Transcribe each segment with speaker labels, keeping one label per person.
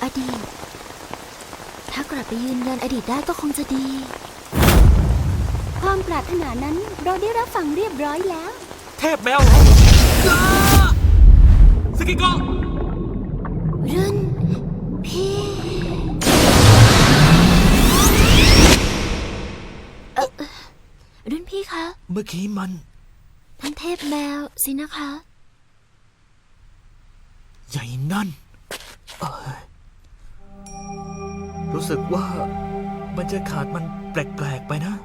Speaker 1: อดีตถ้ากลับไปยืนยันอดีตได้ก็คงจะดีความปรารถนานั้นเราได้รับฟังเรียบร้อยแล้ว
Speaker 2: เทพแมวเหรอสกิโกะ
Speaker 1: รุ่นพี่รุ่นพี่คะ
Speaker 2: เมื่อกี้มัน
Speaker 1: ท่านเทพแมวสินะคะ
Speaker 2: ใหญ่นั่นรู้สึกว่าบรรยากาศมันแปลกๆไปนะ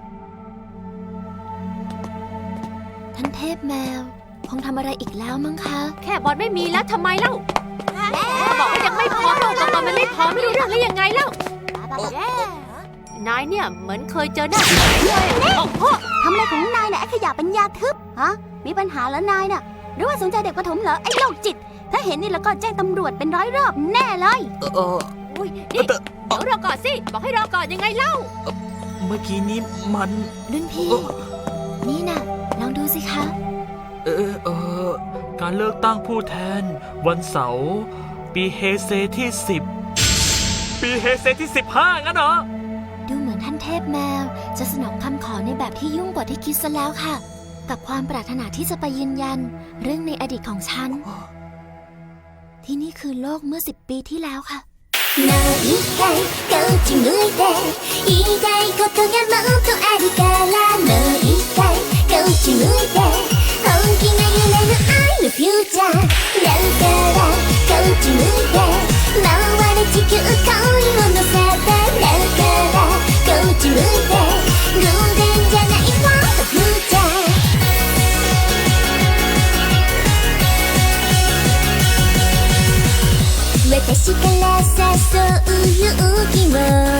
Speaker 1: ท่านเทพแมวคงทำอะไรอีกแล้วมั้งคะ
Speaker 3: แค่บอลไม่มีแล้วทำไมเล่าบอกว่ายังไม่พร้อมเราตอนมันไม่พร้อมไม่รู้เรื่องแล้วยังไงเล่านายเนี่ยเหมือนเคยเจอหน้าเลย
Speaker 1: ทำอะไรของนายน่ะไอ้ขยะปัญญาทึบฮะมีปัญหาแล้วนายน่ะหรือว่าสนใจเด็กประถมเหรอไอ้โรคจิตถ้าเห็นนี่แล้วก็แจ้งตำรวจเป็นร้อยรอบแน่เลย
Speaker 3: อุ้ยนี่เดี๋ยวรอก่อนสิบอกให้รอก่อนยังไงเล่า
Speaker 2: เมื่อกี้นี้มัน
Speaker 1: รุ่นพี่นี่น่ะลองดูสิคะ
Speaker 2: การเลือกตั้งผู้แทนวันเสาร์ปีเฮเซที่10ปีเฮเซที่15งั้นเหรอ
Speaker 1: ดูเหมือนท่านเทพแมวจะสนองคำขอในแบบที่ยุ่งกว่าที่คิดซะแล้วค่ะกับความปรารถนาที่จะไปยืนยันเรื่องในอดีตของฉันที่นี่คือโลกเมื่อ10 ปีที่แล้วค่ะもう一回こっち向いて言いたいことがもっとあるからもう一回こっち向いて本気が揺れる愛のフューチャーだからこっち向いて回れ地球恋を乗せてだからこっち向いて偶然じゃないフォートフューチャー私から誘う勇気を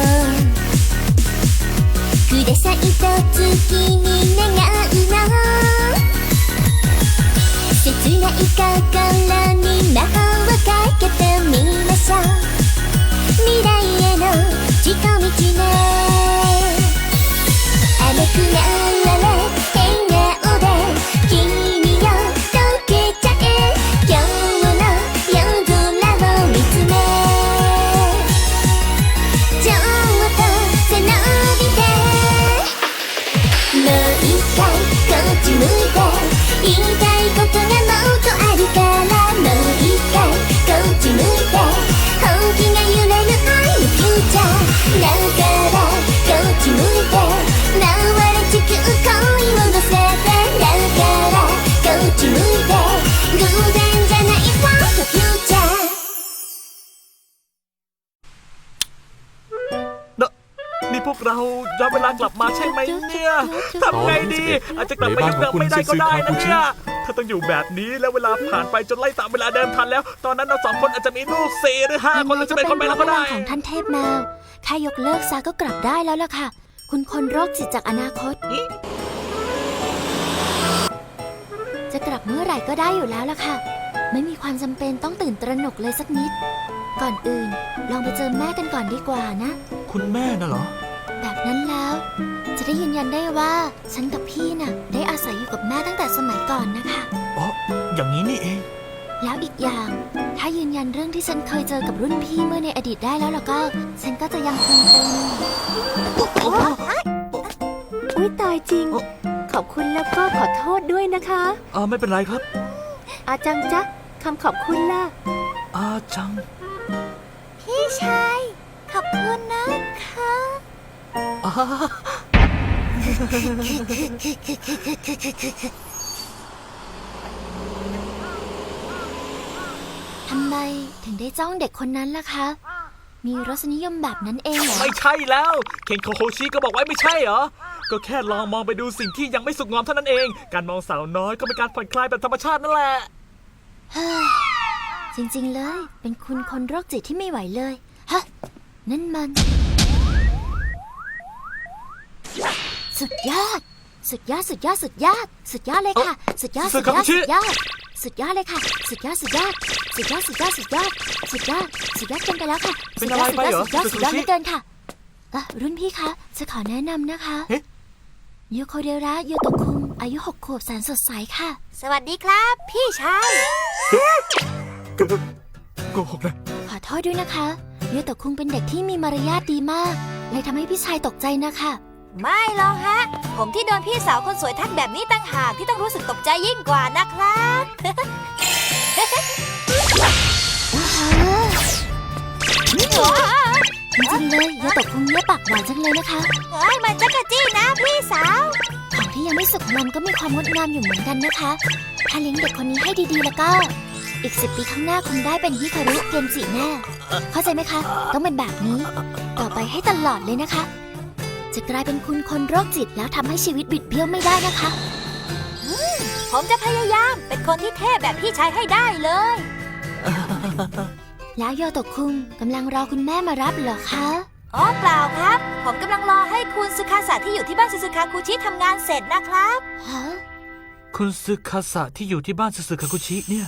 Speaker 1: くださいと月に願うの切ない心に魔法をかけてみましょう未来への近道ね甘くなれ笑顔で君を溶けちゃえ今日の夜空を見つめちょっと背伸びてもう一回こっち向いて言いたいことがもっとあるからもう一回こっち向いて本気が揺れる愛のフューチャーだからこっち向いて回れ地球恋を乗せてだからこっち向いて偶然じゃないフォートフューチャー
Speaker 2: นี่พวกเราย้อนเวลากลับมาใช่ไหมเนี่ยทำไงดีอาจจะกลับไปยุคเดิมไม่ได้ก็ได้นะเนี่ยถ้าต้องอยู่แบบนี้แล้วเวลาผ่านไปจนไล่ตามเวลาเดิมทันแล้วตอนนั้นเรา2 คนอาจจะมีลูก4 หรือ 5 คนเราจะเป็นคนไปแล้วก็ได้
Speaker 1: ของท่านเทพแมวแค่ยกเลิกซะก็กลับได้แล้วล่ะค่ะคุณคนโรคจิตจากอนาคตจะกลับเมื่อไหร่ก็ได้อยู่แล้วล่ะค่ะไม่มีความจำเป็นต้องตื่นตระหนกเลยสักนิดก่อนอื่นลองไปเจอแม่กันก่อนดีกว่านะ
Speaker 2: คุณแม่น่ะเหรอ
Speaker 1: แบบนั้นแล้วจะได้ยืนยันได้ว่าฉันกับพี่น่ะได้อาศัยอยู่กับแม่ตั้งแต่สมัยก่อนนะคะ
Speaker 2: อ๋ออย่างนี้นี่เอง
Speaker 1: แล้วอีกอย่างถ้ายืนยันเรื่องที่ฉันเคยเจอกับรุ่นพี่เมื่อในอดีตได้แล้วก็ฉันก็จะยังคงเป็น
Speaker 3: อุ๊ยตายจริงขอบคุณแล้วก็ขอโทษด้วยนะคะ
Speaker 2: ไม่เป็นไรครับ
Speaker 3: อาจังจ๊ะคำขอบคุณล่ะ
Speaker 2: อาจัง
Speaker 1: พี่ชายขอบคุณนะคะทำไมถึงได้จ้องเด็กคนนั้นล่ะคะมีรสนิยมแบบนั้นเองเหรอ
Speaker 2: ไม่ใช่แล้วเคนโคโฮชิก็บอกไว้ไม่ใช่เหรอก็แค่ลองมองไปดูสิ่งที่ยังไม่สุกงอมเท่านั้นเองการมองสาวน้อยก็เป็นการผ่อนคลายแบบธรรมชาตินั่นแหละ
Speaker 1: จริงๆเลยเป็นคุณคนโรคจิตที่ไม่ไหวเลยฮะนั่นมันสุดยอดสุดยอดสุดยอดสุดยอดสุดยอดเลยค่ะสุดยอดสุดยอดสุดยอดสุดยอดเลยค่ะสุดยอดสุดยอดสุดยอดสุดยอดสุดยอดสุดยอดสุดยอดเกินไปแล้วค่ะสุดยอดสุดยอดสุดยอดสุดยอดไม่เกินค่ะรุ่นพี่คะจะขอแนะนำนะคะโยโคเดระโยโตะคุงอายุ6 ขวบแสนสดใสค่ะ
Speaker 3: สวัสดีครับพี่ชาย
Speaker 2: โกหกนะ
Speaker 1: ขอโทษด้วยนะคะโยโตะคุงเป็นเด็กที่มีมารยาทดีมาก เลยทำให้พี่ชายตกใจนะคะ
Speaker 4: ไม่หรอกฮะ ผมที่โดนพี่สาวคนสวยทักแบบนี้ตั้งหากที่ต้องรู้สึกตกใจยิ่งกว่านะครับ
Speaker 1: จริงๆเลยโยโตะคุงเนี่ยปากหวานจังเลยนะคะ
Speaker 4: เฮ้ยมันจักรจี้นะพี่สาว
Speaker 1: ของที่ยังไม่สุกงอมก็มีความงดงามอยู่เหมือนกันนะคะ ถ้าเลี้ยงเด็กคนนี้ให้ดีๆแล้วก็ อีก10 ปีข้างหน้าคงได้เป็นฮิคารุเกนจิแน่ เข้าใจไหมคะ ต้องเป็นแบบนี้ ต่อไปให้ตลอดเลยนะคะ จะกลายเป็นคุณคนโรคจิตแล้วทำให้ชีวิตบิดเบี้ยวไม่ได้นะคะ
Speaker 4: ผมจะพยายามเป็นคนที่เท่แบบพี่ชายให้ได้เลย
Speaker 1: แล้วโยโตะคุงกำลังรอคุณแม่มารับเหรอคะ
Speaker 4: อ๋อเปล่าครับ ผมกำลังรอให้คุณซึคาสะที่อยู่ที่บ้านซึซึคาคุชิทำงานเสร็จนะครับ
Speaker 1: ฮะ
Speaker 2: คุณซึคาสะที่อยู่ที่บ้านซึซึคาคุชิเนี่ย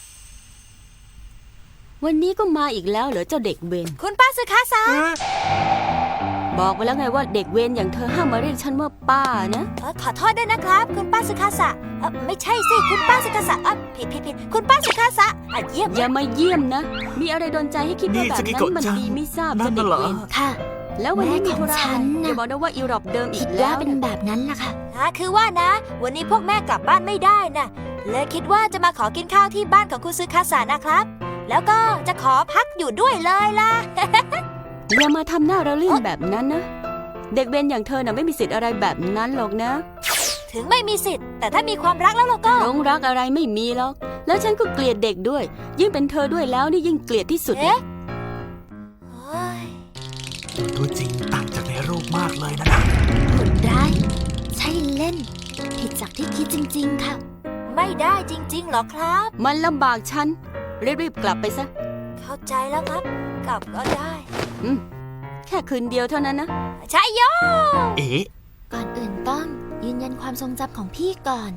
Speaker 3: วันนี้ก็มาอีกแล้วเหรอเจ้าเด็กเวร
Speaker 4: คุณป้าซึคาสะ
Speaker 3: บอกไปแล้วไงว่าเด็กเวรอย่างเธอห้ามมาเรียกฉันว่าป้านะ
Speaker 4: ขอโทษด้วยนะครับ คุณป้าซึคาสะไม่ใช่สิคุณป้าซึคาสะผิดคุณป้าซึคาสะเยี่ยม
Speaker 3: อย่ามาเยี่ยมนะ มีอะไรโดนใจให้คิดว่าแบบ
Speaker 2: นี่สกิ
Speaker 3: นั้
Speaker 2: โกะ
Speaker 3: นมัน
Speaker 2: จัง
Speaker 3: ดีไม่ทราบ
Speaker 2: นั่
Speaker 3: เจ้าน เด็
Speaker 2: น่ะ
Speaker 3: ก
Speaker 2: เหรอ
Speaker 3: เวร
Speaker 1: ค่ะ
Speaker 3: แล้ววันนี้มีธุระ
Speaker 1: แม่ของฉั
Speaker 3: อะไร
Speaker 1: นน่ะ
Speaker 3: อย่าบอกนะว่าอีรอบเดิมอี
Speaker 1: คิ
Speaker 3: ก
Speaker 1: ด
Speaker 3: แล้
Speaker 1: ว่าว เป็นแบบนั้นล่ะค่ะ
Speaker 4: คือว่านะ วันนี้พวกแม่กลับบ้านไม่ได้นะเลยคิดว่าจะมาขอกินข้าวที่บ้านของคุณซึคาสะนะครับ แล้วก็จะขอพักอยู่ด้วยเลยล่ะ
Speaker 3: อย่ามาทำหน้าระลื่นแบบนั้นนะ เด็กเวรอย่างเธอน่ะไม่มีสิทธิ์อะไรแบบนั้นหรอกนะ
Speaker 4: ถึงไม่มีสิทธิ์ แต่ถ้ามีความรักแล้วเราก็
Speaker 3: หลงรักอะไรไม่มีหรอก แล้วฉันก็เกลียดเด็กด้วย ยิ่งเป็นเธอด้วยแล้วนี่ยิ่งเกลียดที่สุด
Speaker 4: เอ๊ะโอ้ย
Speaker 2: ตัวจริงต่างจากในรูปมากเลยนะ
Speaker 1: โหดร้าย ใช่เล่น ผิดจากที่คิดจริงๆค่ะ
Speaker 4: ไม่ได้จริงๆหรอครับ
Speaker 3: มันลำบากฉัน รีบๆกลับไปซะ
Speaker 4: เข้าใจแล้วครับ กลับก็ได้
Speaker 3: แค่คืนเดียวเท่านั้นนะ
Speaker 4: ใช่โย
Speaker 2: เอ๊ะ
Speaker 1: ก่อนอื่นต้องยืนยันความทรงจำของพี่ก่อน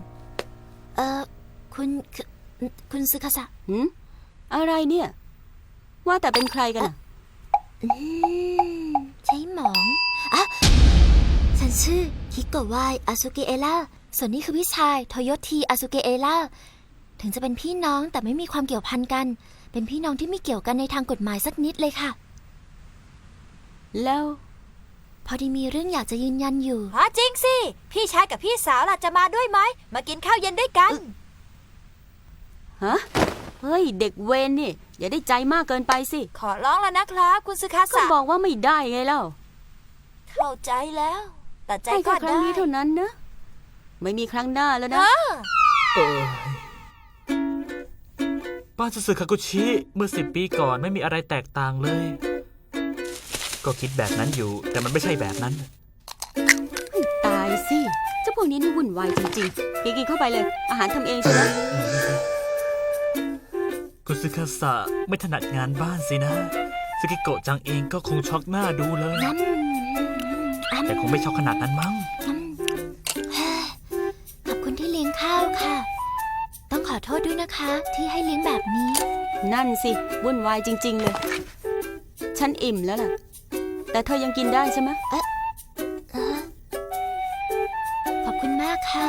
Speaker 1: คุณซึคาสะ
Speaker 3: หืมอะไรเนี่ย ว่าแต่เป็นใครกันน่ะ
Speaker 1: ใช่หมองอ่ะฉันชื่อคิโกะวายอาซุเกะเอล่าส่วนนี้คือพี่ชายโทโยทีอาซุเกะเอล่าถึงจะเป็นพี่น้องแต่ไม่มีความเกี่ยวพันกัน เป็นพี่น้องที่ไม่เกี่ยวกันในทางกฎหมายสักนิดเลยค่ะ
Speaker 3: แล้ว
Speaker 1: พอดีมีเรื่องอยากจะยืนยันอยู่
Speaker 4: จริงสิ พี่ชายกับพี่สาวล่ะจะมาด้วยไหม มากินข้าวเย็นด้วยกัน
Speaker 3: ฮะ เฮ้ย เด็กเวรนี่ อย่าได้ใจมากเกินไปสิ
Speaker 4: ขอร้องแล้วนะครับ คุณซึคา
Speaker 3: ก็
Speaker 4: สะ
Speaker 3: บอกว่าไม่ได้ไงเล่า
Speaker 4: เข้าใจแล้ว แต่ใจ
Speaker 3: ให้
Speaker 4: ก็
Speaker 3: แค่ครั้
Speaker 4: ได้
Speaker 3: งนี้เท่านั้นนะ ไม่มีครั้งหน้าแล้วนะ
Speaker 2: บ้านซึซึคาคุชิเมื่อ10 ปีก่อนไม่มีอะไรแตกต่างเลย ก็คิดแบบนั้นอยู่ แต่มันไม่ใช่แบบนั้น
Speaker 3: ตายสิเจ้าพวกนี้นี่วุ่นวายจริงๆกินเข้าไปเลย อาหารทำเองใช่ไหม
Speaker 2: คุณซึคาสะไม่ถนัดงานบ้านสินะสกิโกะจังเองก็คงช็อกหน้าดูเลย
Speaker 1: งั้น
Speaker 2: แต่คงไม่ช็อกขนาดนั้นมั้ง
Speaker 1: ขอบคุณที่เลี้ยงข้าวค่ะ ต้องขอโทษด้วยนะคะ ที่ให้เลี้ยงแบบนี้
Speaker 3: นั่นสิ วุ่นวายจริง ๆ เลย ฉันอิ่มแล้วล่ะ แต่เธอยังกินได้ใช่ไหม
Speaker 1: ขอบคุณมากค่ะ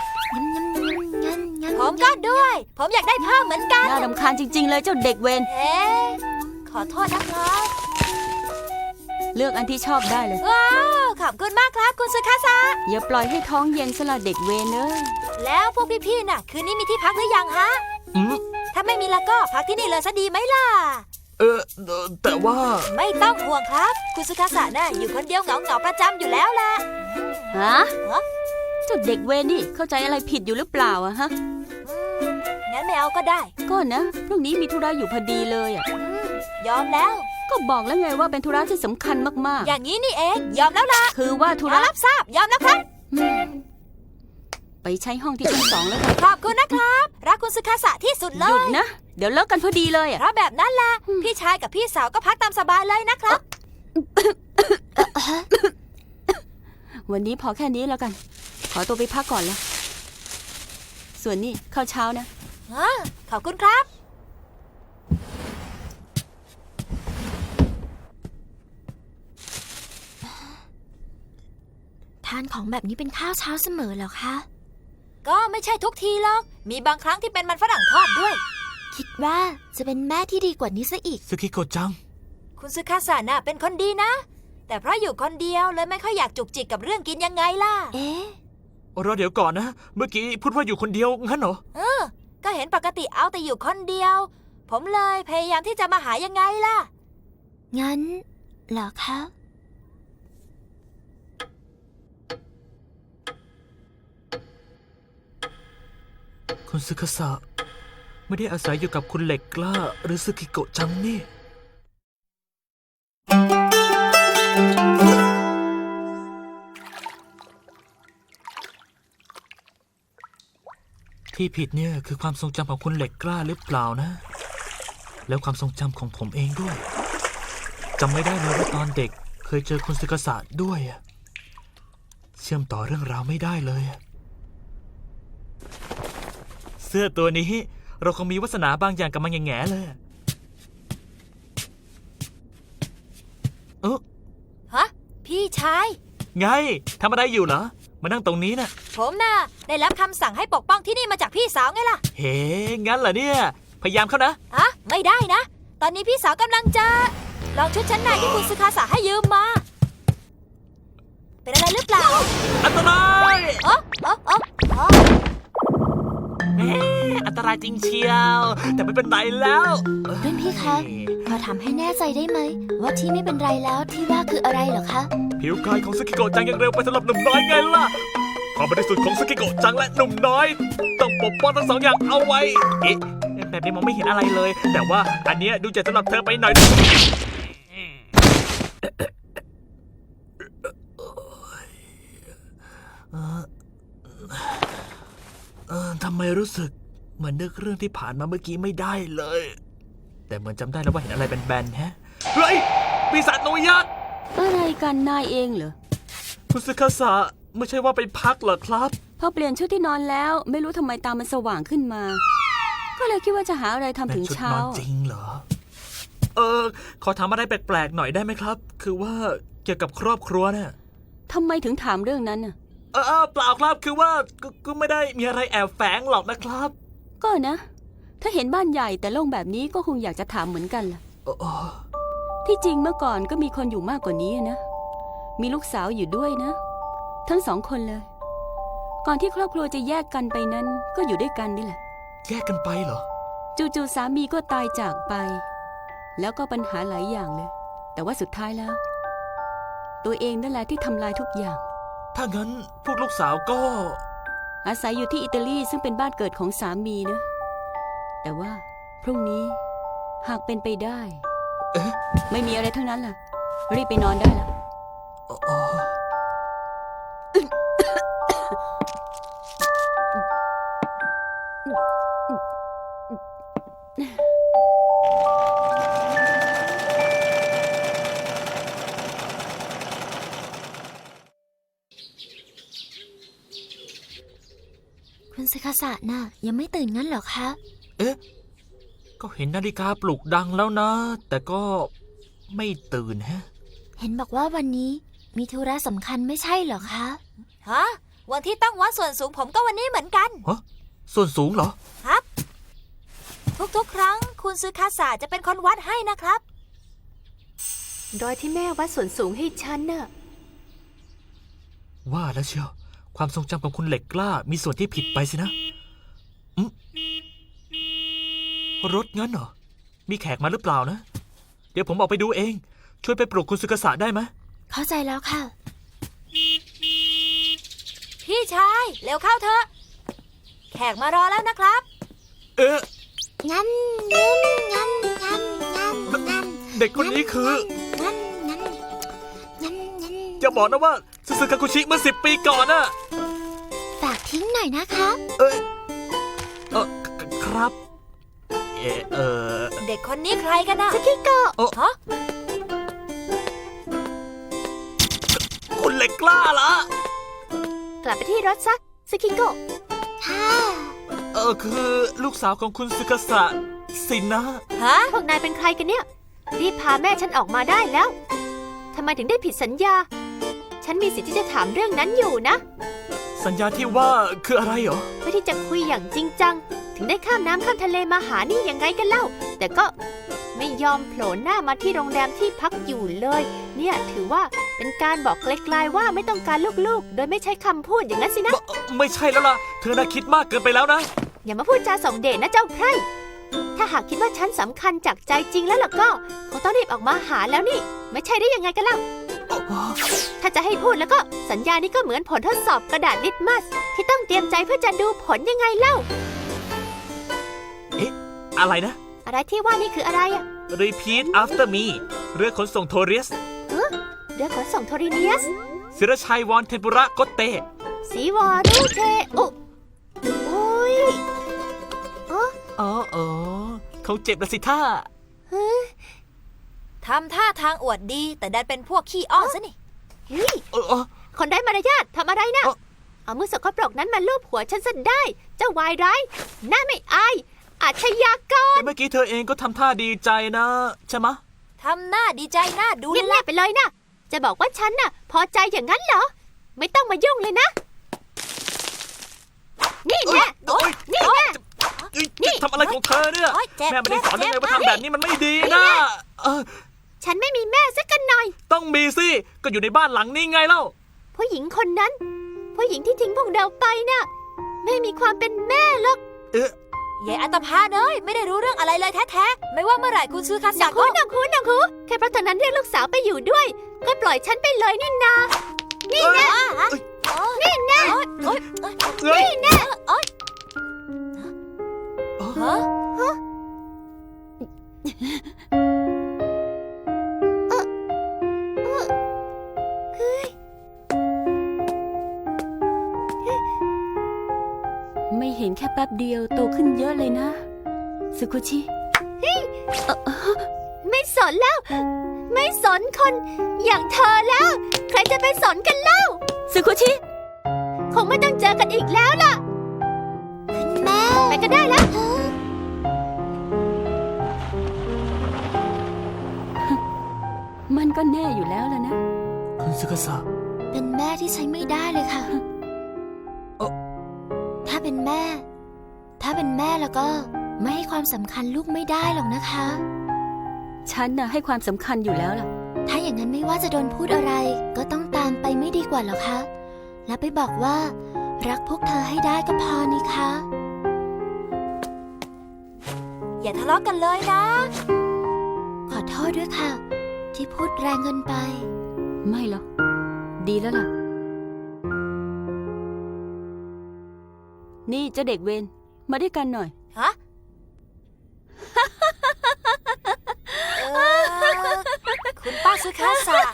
Speaker 1: งั้น
Speaker 4: ผมก็ด้วย ผมอยากได้เพิ่มเหมือนกัน
Speaker 3: น่ารำคาญจริง ๆ เลยเจ้าเด็กเวร
Speaker 4: เอ๊ะขอโทษนะครับ
Speaker 3: เลือกอันที่ชอบได้เลย
Speaker 4: ว้าวขอบคุณมากครับ คุณซึคาสะ
Speaker 3: อย่าปล่อยให้ท้องเย็นสละเด็กเวรเลย
Speaker 4: แล้วพวกพี่ๆน่ะ คืนนี้มีที่พักหรือยังฮะ
Speaker 2: อืม
Speaker 4: ถ้าไม่มีแล้วก็พักที่นี่เลยซะดีไหมล่ะ
Speaker 2: แต่ว่า
Speaker 4: ไม่ต้องห่วงครับ คุณซึคาสะน่ะอยู่คนเดียวเหงาๆประจำอยู่แล้วล่ะ
Speaker 3: ฮะ เจ้าเด็กเวรนี่เข้าใจอะไรผิดอยู่หรือเปล่าอะฮะ
Speaker 4: งั้นไม่เอาก็ได้
Speaker 3: ก็นะ พรุ่งนี้มีธุระอยู่พอดีเลยอะ
Speaker 4: ยอมแล้ว
Speaker 3: ก็บอกแล้วไงว่าเป็นธุระที่สำคัญมาก
Speaker 4: อย่างนี้นี่เอง ยอมแล้วล่ะ
Speaker 3: ๆ คือว่าธุ
Speaker 4: ขอ
Speaker 3: ระ
Speaker 4: รับทราบ ยอมแล้วครับ
Speaker 3: ไปใช้ห้องที่ชั้น 2 แล้วกัน
Speaker 4: ขอบคุณนะครับ รักคุณซึคาสะที่สุดเล
Speaker 3: หยุด
Speaker 4: ย
Speaker 3: นะ เดี๋ยวเลิกกันพอดีเลยอะ
Speaker 4: เพราะแบบนั้นล่ะ พี่ชายกับพี่สาวก็พักตามสบายเลยนะครับ
Speaker 3: วันนี้พอแค่นี้แล้วกัน ขอตัวไปพักก่อนละส่วนนี้ข้าวเช้านะ
Speaker 4: ขอบคุณครับ
Speaker 1: ทานของแบบนี้เป็นข้าวเช้าเสมอเหรอคะ
Speaker 4: ก็ไม่ใช่ทุกทีหรอก มีบางครั้งที่เป็นมันฝรั่งทอดด้วย
Speaker 1: คิดว่าจะเป็นแม่ที่ดีกว่านี้ซะอีก
Speaker 2: สกิโกะจัง
Speaker 4: คุณซึคาสะน่ะเป็นคนดีนะ แต่เพราะอยู่คนเดียวเลยไม่ค่อยอยากจุกจิกกับเรื่องกินยังไงล่ะ
Speaker 1: เอ๊ะ
Speaker 2: รอเดี๋ยวก่อนนะ เมื่อกี้พูดว่าอยู่คนเดียวงั้นเหรอ
Speaker 4: ก็เห็นปกติเอาแต่อยู่คนเดียว ผมเลยพยายามที่จะมาหายังไงล่ะ
Speaker 1: งั้นเหรอคะ
Speaker 2: คุณซึคาสะไม่ได้อาศัยอยู่กับคุณเหล็กกล้าหรือซึกิโกะจังนี่ ที่ผิดเนี่ยคือความทรงจำของคุณเหล็กกล้าหรือเปล่านะ แล้วความทรงจำของผมเองด้วยจำไม่ได้เลยว่าตอนเด็กเคยเจอคุณซึคาสะด้วยอะเชื่อมต่อเรื่องราวไม่ได้เลยอะเสื้อตัวนี้เราคงมีวาสนาบางอย่างกับมันแง่ๆเลยเออ
Speaker 4: ฮะ พี่ชาย
Speaker 2: ไงทำอะไรอยู่เหรอมานั่งตรงนี้น่ะ
Speaker 4: ผมน่ะได้รับคำสั่งให้ปกป้องที่นี่มาจากพี่สาวไงล่ะ
Speaker 2: เฮ้งั้นเหรอเนี่ยพยายามเข้านะ
Speaker 4: อะไม่ได้นะ ตอนนี้พี่สาวกำลังจะลองชุดชั้นในที่คุณซึคาสะให้ยืมมา เป็นอะไรหรือเปล่า
Speaker 2: อันตราย
Speaker 4: อ๋ออ๋ออ๋ออ๋อ
Speaker 2: อันตรายจริงเชียว แต่ไม่เป็นไรแล้ว
Speaker 1: รุ่นพี่คะ ขอถามให้แน่ใจได้ไหม ว่าที่ไม่เป็นไรแล้วที่ว่าคืออะไรเหรอคะ
Speaker 2: ผิวกายของสกิโกะจังยังเร็วไปสำหรับหนุ่มน้อยไงล่ะความบริสุทธิ์ของสกิโกะจังและหนุ่มน้อย ต้องปกป้องทั้งสองอย่างเอาไว้เอ๊ะแบบนี้มองไม่เห็นอะไรเลย แต่ว่าอันเนี้ยดูจะสำหรับเธอไปหน่อยทำไมรู้สึกเหมือนนึกเรื่องที่ผ่านมาเมื่อกี้ไม่ได้เลย แต่เหมือนจำได้แล้วว่าเห็นอะไรแบนๆฮะเฮ้ยปีศาจหนูยักษ์
Speaker 5: อะไรกันนายเองเหรอ
Speaker 2: คุณซึคาสะไม่ใช่ว่าไปพักเหรอครับ
Speaker 5: พอเปลี่ยนชุดที่นอนแล้วไม่รู้ทำไมตามันสว่างขึ้นมา ก็เลยคิดว่าจะหาอะไรทำถึง
Speaker 2: ชุด
Speaker 5: เช้าน
Speaker 2: อนจริงเหรอ ขอถามอะไรแปลกๆหน่อยได้ไหมครับ คือว่าเกี่ยวกับครอบครัวเนี่ย
Speaker 5: ทำไมถึงถามเรื่องนั้นน่ะ
Speaker 2: เปล่าครับ คือว่าก็ไม่ได้มีอะไรแอบแฝงหรอกนะครับ
Speaker 5: ก็นะ ถ้าเห็นบ้านใหญ่แต่โล่งแบบนี้ก็คงอยากจะถามเหมือนกันล่ะ ที่จริงเมื่อก่อนก็มีคนอยู่มากกว่านี้นะ มีลูกสาวอยู่ด้วยนะ ทั้งสองคนเลย ก่อนที่ครอบครัวจะแยกกันไปนั้นก็อยู่ด้วยกันนี่แหละ
Speaker 2: แยกกันไปเหรอ
Speaker 5: จู่ๆสามีก็ตายจากไป แล้วก็ปัญหาหลายอย่างเลย แต่ว่าสุดท้ายแล้ว ตัวเองนั่นแหละที่ทำลายทุกอย่าง
Speaker 2: ถ้างั้นพวกลูกสาวก็
Speaker 5: อาศัยอยู่ที่อิตาลีซึ่งเป็นบ้านเกิดของสามีนะ แต่ว่าพรุ่งนี้หากเป็นไปได้
Speaker 2: เอ๊ะ
Speaker 5: ไม่มีอะไรทั้งนั้นล่ะ รีบไปนอนได้ละ
Speaker 2: อ๋อ
Speaker 1: คุณซึคาสะน่ะยังไม่ตื่นงั้นเหรอคะ
Speaker 2: เอ๊ะ ก็เห็นนาฬิกาปลุกดังแล้วนะ แต่ก็ไม่ตื่นฮะ
Speaker 1: เห็นบอกว่าวันนี้มีธุระสำคัญไม่ใช่เหรอคะ
Speaker 4: ฮะ วันที่ต้องวัดส่วนสูงผมก็วันนี้เหมือนกัน
Speaker 2: ฮะ ส่วนสูงเหรอ
Speaker 4: ครับ ทุกๆ ครั้งคุณซึคาสะจะเป็นคนวัดให้นะครับ
Speaker 3: โดยที่แม่วัดส่วนสูงให้ฉันน่ะ
Speaker 2: ว่าแล้วเชียว ความทรงจำของคุณเหล็กกล้ามีส่วนที่ผิดไปสินะรถงั้นเหรอ มีแขกมาหรือเปล่านะ เดี๋ยวผมออกไปดูเอง ช่วยไปปลุกคุณซึคาสะได้ไหม
Speaker 1: เข้าใจแล้วค่ะ
Speaker 4: พี่ชาย เร็วเข้าเถอะ แขกมารอแล้วนะครับ
Speaker 2: เอ๊ะ
Speaker 1: งั้นงั้นงั้นงั้นงั้นงั้น
Speaker 2: เด็กคนนี้คือ
Speaker 1: งั้นงั้นงั้นงั้น
Speaker 2: อย่าบอกนะว่าซึซึกาคุชิเมื่อ10 ปีก่อนน่ะ
Speaker 1: ฝากทิ้งหน่อยนะคะ
Speaker 2: เอ้ยครับ
Speaker 4: เด็กคนนี้ใครกันนะ
Speaker 1: สกิโกะ
Speaker 4: ฮะ
Speaker 2: คุณเหล็กกล้าเหรอ
Speaker 3: กลับไปที่รถซะสกิโกะ
Speaker 1: ค่ะ
Speaker 2: คือลูกสาวของคุณซึคาสะสินนะ
Speaker 4: ฮะ
Speaker 3: พวกนายเป็นใครกันเนี่ย รีบพาแม่ฉันออกมาได้แล้ว ทำไมถึงได้ผิดสัญญา ฉันมีสิทธิ์ที่จะถามเรื่องนั้นอยู่นะ
Speaker 2: สัญญาที่ว่าคืออะไรเหรอ
Speaker 3: เพื่อที่จะคุยอย่างจริงจังถึงได้ข้ามน้ำข้ามทะเลมาหานี่ยังไงกันเล่า แต่ก็ไม่ยอมโผล่หน้ามาที่โรงแรมที่พักอยู่เลย เนี่ยถือว่าเป็นการบอกไกลๆว่าไม่ต้องการลูกๆ โดยไม่ใช้คำพูดอย่างนั้นสินะ
Speaker 2: ไม่ใช่แล้วล่ะ เธอน่าคิดมากเกินไปแล้วนะ
Speaker 3: อย่ามาพูดจาส่งเดชนะเจ้าไพร่ ถ้าหากคิดว่าฉันสำคัญจากใจจริงแล้วล่ะก็คงต้องรีบออกมาหาแล้วนี่ ไม่ใช่ได้ยังไงกันเล่า ถ้าจะให้พูดแล้วก็สัญญานี้ก็เหมือนผลทดสอบกระดาษลิตมัสที่ต้องเตรียมใจเพื่อจะดูผลยังไงเล่า
Speaker 2: อะไรนะ
Speaker 3: อะไรที่ว่านี่คืออะไรอะ
Speaker 2: Repeat after me เรือขนส่งโทเรียส
Speaker 3: เรือขนส่งโทริเนียส
Speaker 2: ศิรชัยวอนเทมปุระโกเต
Speaker 3: สีวอรูเทอุอุ้ย
Speaker 2: อ๋อเขาเจ็บละสิท่า
Speaker 4: ทำท่าทางอวดดีแต่ดันเป็นพวกขี้อ้อนซะนี่
Speaker 3: เฮ้ย
Speaker 2: เออ
Speaker 3: คนได้มารยาททำอะไรนะ เอามือสกปรกนั้นมาลูบหัวฉันซะได้ เจ้าวายร้ายหน้าไม่อาย อาชญากร
Speaker 2: แต่เมื่อกี้เธอเองก็ทำท่าดีใจนะ ใช่ไหมะ
Speaker 4: ทำหน้าดีใจหน้าดู
Speaker 3: เงี
Speaker 4: เลย ยล่ะ
Speaker 3: บๆไปเลยนะ จะบอกว่าฉันน่ะ พอใจอย่างนั้นเหรอ ไม่ต้องมายุ่งเลยนะ นี่แน่
Speaker 2: โอ๊ย
Speaker 3: นี่แน่
Speaker 2: นี่ทำอะไรของเธอเนี่ย
Speaker 4: โอ๊ยเจ็บ
Speaker 2: แม่ไม่ได้สอนยังไง
Speaker 4: เจ็บ
Speaker 2: ว่าทำแบบนี้มันไม่ดีนะเออ
Speaker 3: ฉันไม่มีแม่สักกันหน่อย
Speaker 2: ต้องมีสิ ก็อยู่ในบ้านหลังนี้ไงเล่า
Speaker 3: ผู้หญิงคนนั้น ผู้หญิงที่ทิ้งพวกเราไปน่ะ ไม่มีความเป็นแม่หรอก
Speaker 4: ยายอัตภาเอ้ยไม่ได้รู้เรื่องอะไรเลยแท้ๆ ไม่ว่าเมื่อไหร่คุณซื้อคา
Speaker 3: หนั
Speaker 4: สาก
Speaker 3: หูหนักหูหนักหูแค่เพราะตอนนั้นเรียกลูกสาวไปอยู่ด้วย ก็ปล่อยฉันไปเลยนี่นา นี่แน่ นี่แน่
Speaker 4: โอ๊ย
Speaker 2: เฮ้ย
Speaker 3: นี่แน่
Speaker 4: ฮะ
Speaker 5: ไม่เห็นแค่แป๊บเดียวโตขึ้นเยอะเลยนะสึคุชิ
Speaker 3: ไม่สนแล้ว ไม่สนคนอย่างเธอแล้ว ใครจะไปสนกันเล่า
Speaker 5: สึคุชิ
Speaker 3: คงไม่ต้องเจอกันอีกแล้วล่ะ
Speaker 1: คุณแม่
Speaker 3: ไปก็ได้แล้ว
Speaker 5: มันก็แน่อยู่แล้วล่ะนะ
Speaker 2: คุณซึกาสะ
Speaker 1: เป็นแม่ที่ใช้ไม่ได้เลยค่ะ ถ้าเป็นแม่ แล้วก็ไม่ให้ความสำคัญลูกไม่ได้หรอกนะคะ
Speaker 5: ฉันน่ะให้ความสำคัญอยู่แล้วล่ะ
Speaker 1: ถ้าอย่างนั้นไม่ว่าจะโดนพูดอะไร ก็ต้องตามไปไม่ดีกว่าหรอคะ แล้วไปบอกว่า รักพวกเธอให้ได้ก็พอนี่คะ
Speaker 4: อย่าทะเลาะกันเลยนะ
Speaker 1: ขอโทษด้วยค่ะ ที่พูดแรงเกินไป
Speaker 5: ไม่หรอก ดีแล้วล่ะ นี่เจ้าเด็กเวรมาด้วยกันหน่อย
Speaker 4: ฮะ คุณป้าซื้อคาสา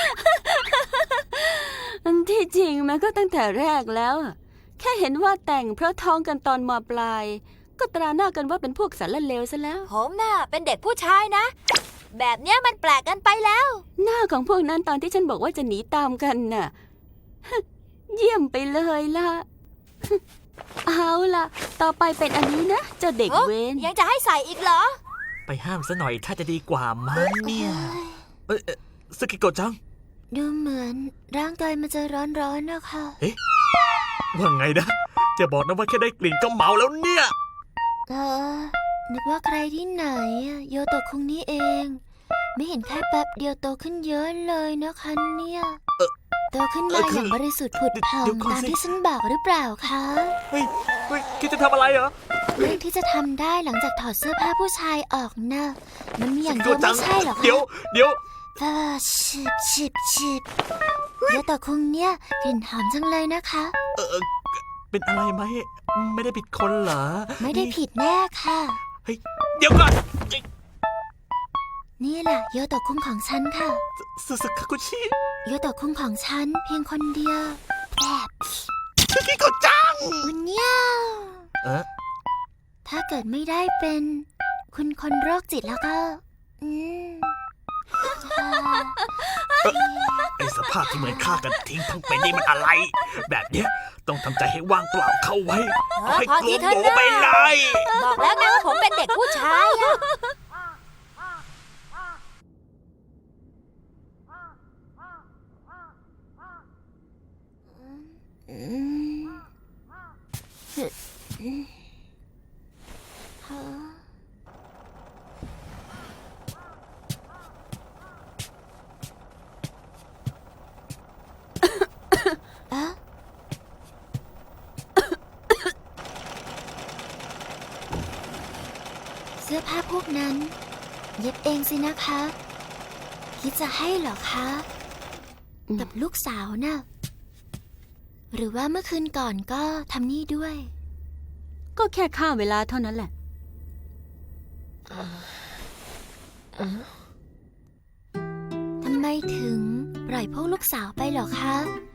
Speaker 5: อันที่จริงมันก็ตั้งแต่แรกแล้วอะแค่เห็นว่าแต่งเพราะท้องกันตอนมปลาย ก็ตราหน้ากันว่าเป็นพวกสารเลวซะแล้ว
Speaker 4: ผมน่ะเป็นเด็กผู้ชายนะ แบบเนี้ยมันแปลกกันไปแล้ว
Speaker 5: หน้าของพวกนั้นตอนที่ฉันบอกว่าจะหนีตามกันน่ะ เยี่ยมไปเลยล่ะ เอาล่ะ ต่อไปเป็นอันนี้นะเจ้าเด็กเวร
Speaker 4: ยังจะให้ใส่อีกเหรอ
Speaker 2: ไปห้ามซะหน่อยถ้าจะดีกว่ามั้งเนี่ยซึกิโกะจัง
Speaker 1: ดูเหมือนร่างกายมันจะร้อนๆนะคะ
Speaker 2: ว่าไงนะ จะบอกนะว่าแค่ได้กลิ่นก็เมาแล้วเนี่ย
Speaker 1: นึกว่าใครที่ไหนอะโยโตะคุงนี่เอง ไม่เห็นแค่แป๊บเดียวโตขึ้นเยอะเลยนะคะเนี่ยโตขึ้นมาอย่างบริสุทธิ์ผุดผ่อง
Speaker 2: เดี๋ยวก่อน
Speaker 1: ตาม
Speaker 2: สิ
Speaker 1: ที่ฉันบอกหรือเปล่าคะ
Speaker 2: เฮ้ยคิดจะทำอะไรเหรอ
Speaker 1: เรื่องที่จะทำได้หลังจากถอดเสื้อผ้าผู้ชายออกนะมันมีอย่างเดียว
Speaker 2: จั
Speaker 1: ไม่ใช่เหรอคะ
Speaker 2: เดี๋ยว
Speaker 1: ชิบโยโตะคุงเนี่ยกลิ่นหอมจังเลยนะคะ
Speaker 2: เป็นอะไรไหม ไม่ได้ผิดคนเหรอ
Speaker 1: ไม่ได้ผิดแน่ค่ะ
Speaker 2: เฮ้ย เดี๋ยวก่อน
Speaker 1: นี่แหละโยโตะคุงของฉันค่ะ
Speaker 2: สึคากุชิ
Speaker 1: โยโตะคุงของฉันเพียงคนเดียวแบบ
Speaker 2: ซึกิโกะจัง
Speaker 1: อุนยาว ถ้าเกิดไม่ได้เป็นคุณคนโรคจิตแล้วก็
Speaker 2: ไอสภาพที่เหมือนฆ่ากันทิ้งทั้งเป็นนี่มันอะไร แบบเนี้ยต้องทำใจให้ว่างเปล่าเข้าไว้เอาให้
Speaker 4: พอก
Speaker 2: ลั
Speaker 4: ที
Speaker 2: ว
Speaker 4: เถอะ
Speaker 2: โบ
Speaker 4: นะ
Speaker 2: ไปเลย
Speaker 4: บอกแล้วนะว่าผมเป็นเด็กผู้ชายอะ
Speaker 1: อนั้น เย็บเองสินะคะ คิดจะให้เหรอคะ กับลูกสาวน่ะ หรือว่าเมื่อคืนก่อนก็ทำนี่ด้วย
Speaker 5: ก็แค่ฆ่าเวลาเท่านั้นแหละ
Speaker 1: ทำไมถึงปล่อยพวกลูกสาวไปเหรอคะ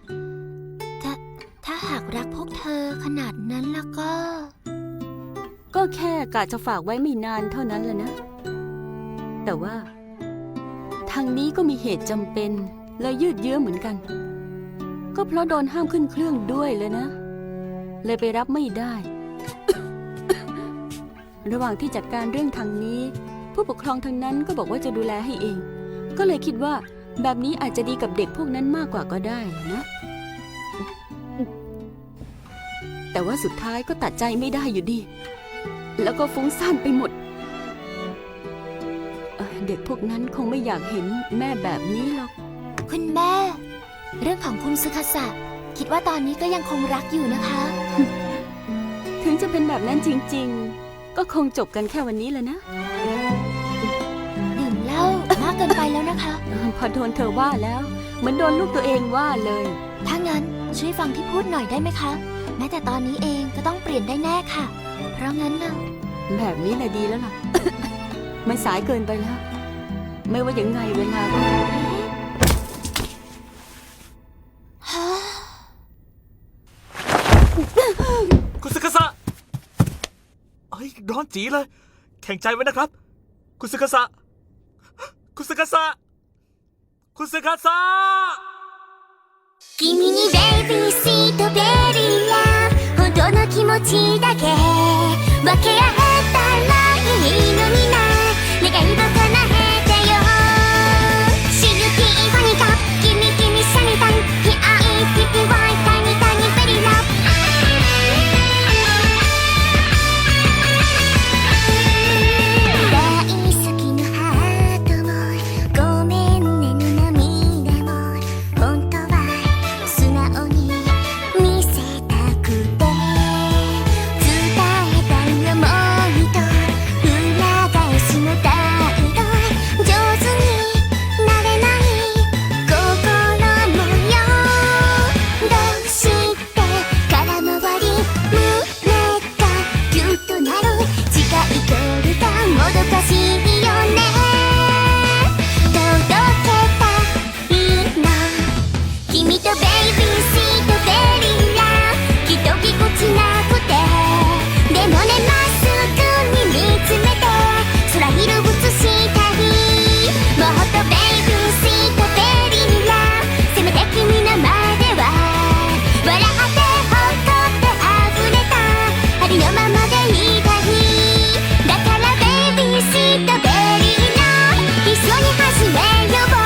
Speaker 1: ถ้าหากรักพวกเธอขนาดนั้นแล้วก็
Speaker 5: ก็แค่กะจะฝากไว้ไม่นานเท่านั้นแหละนะ แต่ว่าทางนี้ก็มีเหตุจำเป็นเลยยืดเยื้อเหมือนกัน ก็เพราะโดนห้ามขึ้นเครื่องด้วยเลยนะ เลยไปรับไม่ได้ ระหว่างที่จัดการเรื่องทางนี้ ผู้ปกครองทางนั้นก็บอกว่าจะดูแลให้เอง ก็เลยคิดว่าแบบนี้อาจจะดีกับเด็กพวกนั้นมากกว่าก็ได้นะ แต่ว่าสุดท้ายก็ตัดใจไม่ได้อยู่ดี แล้วก็ฟุ้งซ่านไปหมด เด็กพวกนั้นคงไม่อยากเห็นแม่แบบนี้หรอก
Speaker 1: คุณแม่ เรื่องของคุณซึคาสะคิดว่าตอนนี้ก็ยังคงรักอยู่นะคะ
Speaker 5: ถึงจะเป็นแบบนั้นจริงๆ ก็คงจบกันแค่วันนี้แหละนะ
Speaker 1: ดื่มเหล้ามากเกินไปแล้วนะคะ
Speaker 5: พอโดนเธอว่าแล้ว เหมือนโดนลูกตัวเองว่าเลย
Speaker 1: ถ้างั้นช่วยฟังที่พูดหน่อยได้ไหมคะ แม้แต่ตอนนี้เองก็ต้องเปลี่ยนได้แน่ค่ะ เพราะงั้นน่ะ
Speaker 5: แบบนี้แหละดีแล้วล่ะ มันสายเกินไปแล้ว ไม่ว่ายังไงเวลาก็
Speaker 2: คุณซึคาสะเฮ้ยร้อนจีเลย แข็งใจไว้นะครับ คุณซึคาสะคุณซึคาสะคุณซึคาสะ
Speaker 6: 君にベイビーシートベリーラブ本当の気持ちだけ分け合えたらいいのにな願いを叶えてよシルキーファニーカップ君シャニタンヒアイピピワイタニタニベリーラブ大好きなハートもごめんねの涙も本当は素直に見せたくて伝えたい想いと裏返しの態度上手になれない心模様どうして空回り胸がギュッとなる近い距離がもどかしいよね届けたいの君とベイビーシートベリーラブきっとぎこちなくてでもねまっすぐに見つめて空色映したいもっとベイビーシートベリーラブせめて君の前では笑ってほっとって溢れたありのままでいたいだからベイビーシートベリーラブ一緒に始めよう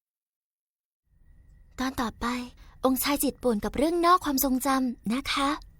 Speaker 1: ตอนต่อไป องค์ชายจิตป่วนกับเรื่องนอกความทรงจำนะคะ